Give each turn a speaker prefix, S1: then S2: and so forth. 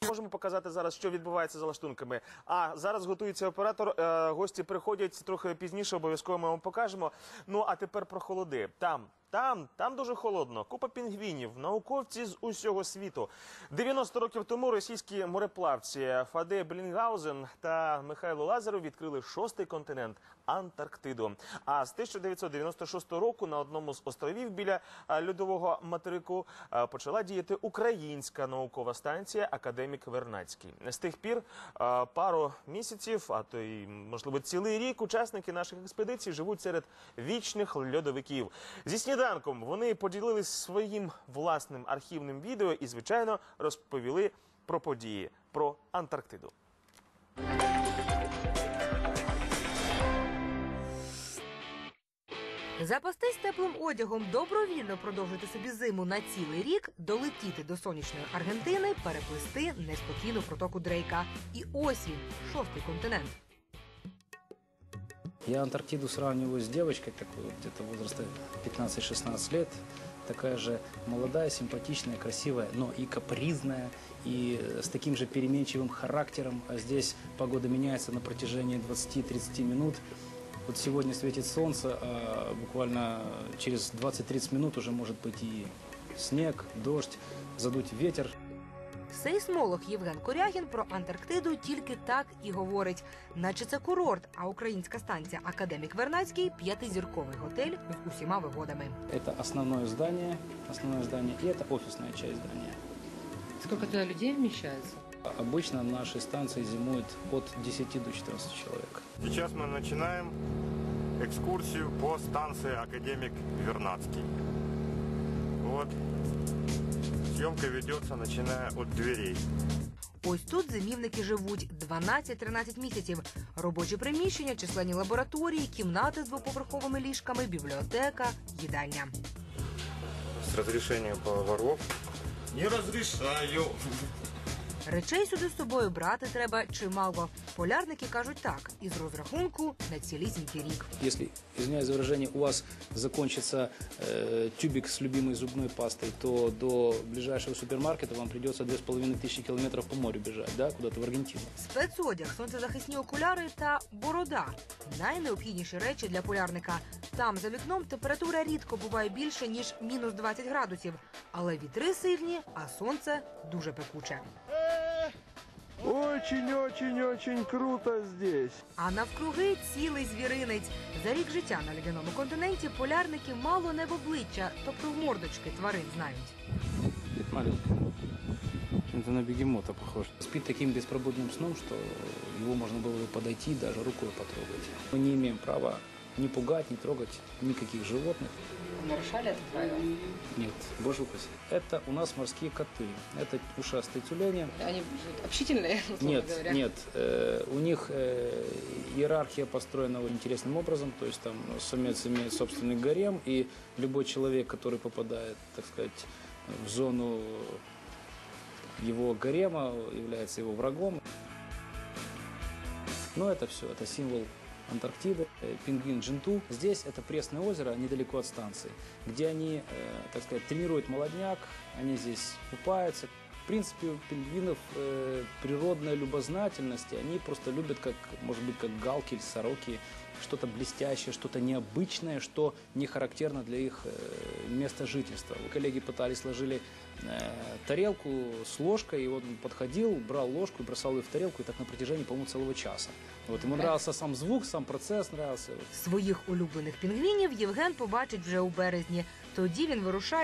S1: Можемо показати зараз, що відбувається за лаштунками. А зараз готується оператор, гості приходять трохи пізніше, обов'язково ми вам покажемо. Ну, а тепер про холоди. Там дуже холодно. Купа пінгвінів, науковці з усього світу. 90 років тому російські мореплавці Фаде Беллінгаузен та Михайло Лазаров відкрили шостий континент – Антарктиду. А з 1996 року на одному з островів біля льодового материку почала діяти українська наукова станція «Академік Вернадський». З тих пір пару місяців, а то й, можливо, цілий рік учасники наших експедицій живуть серед вічних льодовиків. Зі сніданком вони поділились своїм власним архівним відео і, звичайно, розповіли про події, про Антарктиду.
S2: Запастись теплим одягом, добровільно продовжити собі зиму на цілий рік, долетіти до сонячної Аргентини, переплисти неспокійну протоку Дрейка. І ось він, шостий континент.
S3: Я Антарктиду сравниваю с девочкой, такой вот где-то возраста 15-16 лет. Такая же молодая, симпатичная, красивая, но и капризная, и с таким же переменчивым характером. А здесь погода меняется на протяжении 20-30 минут. Вот сегодня светит солнце, а буквально через 20-30 минут уже может быть и снег, дождь, задуть ветер.
S2: Сейсмолог Євген Корягін про Антарктиду тільки так і говорить. Наче це курорт, а українська станція «Академік Вернадський» – п'ятизірковий готель з усіма вигодами.
S3: Это основное здание, и это офисная часть здания.
S4: Сколько туда людей вмещается?
S3: Обычно на нашей станции зимует от 10 до 14 человек.
S5: Сейчас мы начинаем экскурсию по станции «Академик Вернадский». Вот. Съемка ведется, начиная от дверей.
S2: Ось тут зимівники живуть 12-13 місяців. Робочі приміщення, численні лабораторії, кімнати з двоповерховими ліжками, бібліотека, їдальня.
S5: С разрешения поваров. Не разрешаю.
S2: Речей сюди з собою брати треба чимало. Полярники кажуть так, із розрахунку на цілісінький рік.
S3: Если, извиняюсь за выражение, у вас закончится тюбик с любимой зубной пастой, то до ближайшего супермаркета вам придется 2500 километров по морю бежать, да, куда-то в Аргентину.
S2: Спецодяг, сонцезахисні окуляри та борода – найнеобхідніші речі для полярника. Там, за вікном, температура рідко буває більше, ніж мінус 20 градусів. Але вітри сильні, а сонце дуже пекуче.
S6: Очень-очень-очень круто здесь.
S2: А навкруги цілий звіринець. За рік життя на ледяному континенті полярники мало не в обличчя, тобто в мордочки тварин знають.
S3: Маленький. Это на бегемота похож. Спит таким беспробудным сном, что его можно было бы подойти и даже рукой потрогать. Мы не имеем права ни пугать, ни трогать никаких животных.
S4: Нарушали это правило?
S3: Нет, боже упаси. Это у нас морские коты. Это ушастые тюлени.
S4: Они общительные, условно говоря.
S3: Нет. У них иерархия построена интересным образом. То есть там самец имеет собственный гарем, и любой человек, который попадает, так сказать, в зону его гарема, является его врагом. Но это все, это символ Антарктиды, пингвин Джинту. Здесь это пресное озеро, недалеко от станции, где они, так сказать, тренируют молодняк, они здесь купаются. В принципе, у пингвинов природная любознательность, и они просто любят, как, может быть, как галки или сороки, что-то блестящее, что-то необычное, что не характерно для их места жительства. Коллеги пытались, сложили тарелку с ложкой, и вот он подходил, брал ложку и бросал ее в тарелку, и так на протяжении, по-моему, целого часа. Вот, ему нравился сам звук, сам процесс нравился.
S2: Своїх улюблених пінгвінів Євген побачить вже у березні. Тоді він вирушає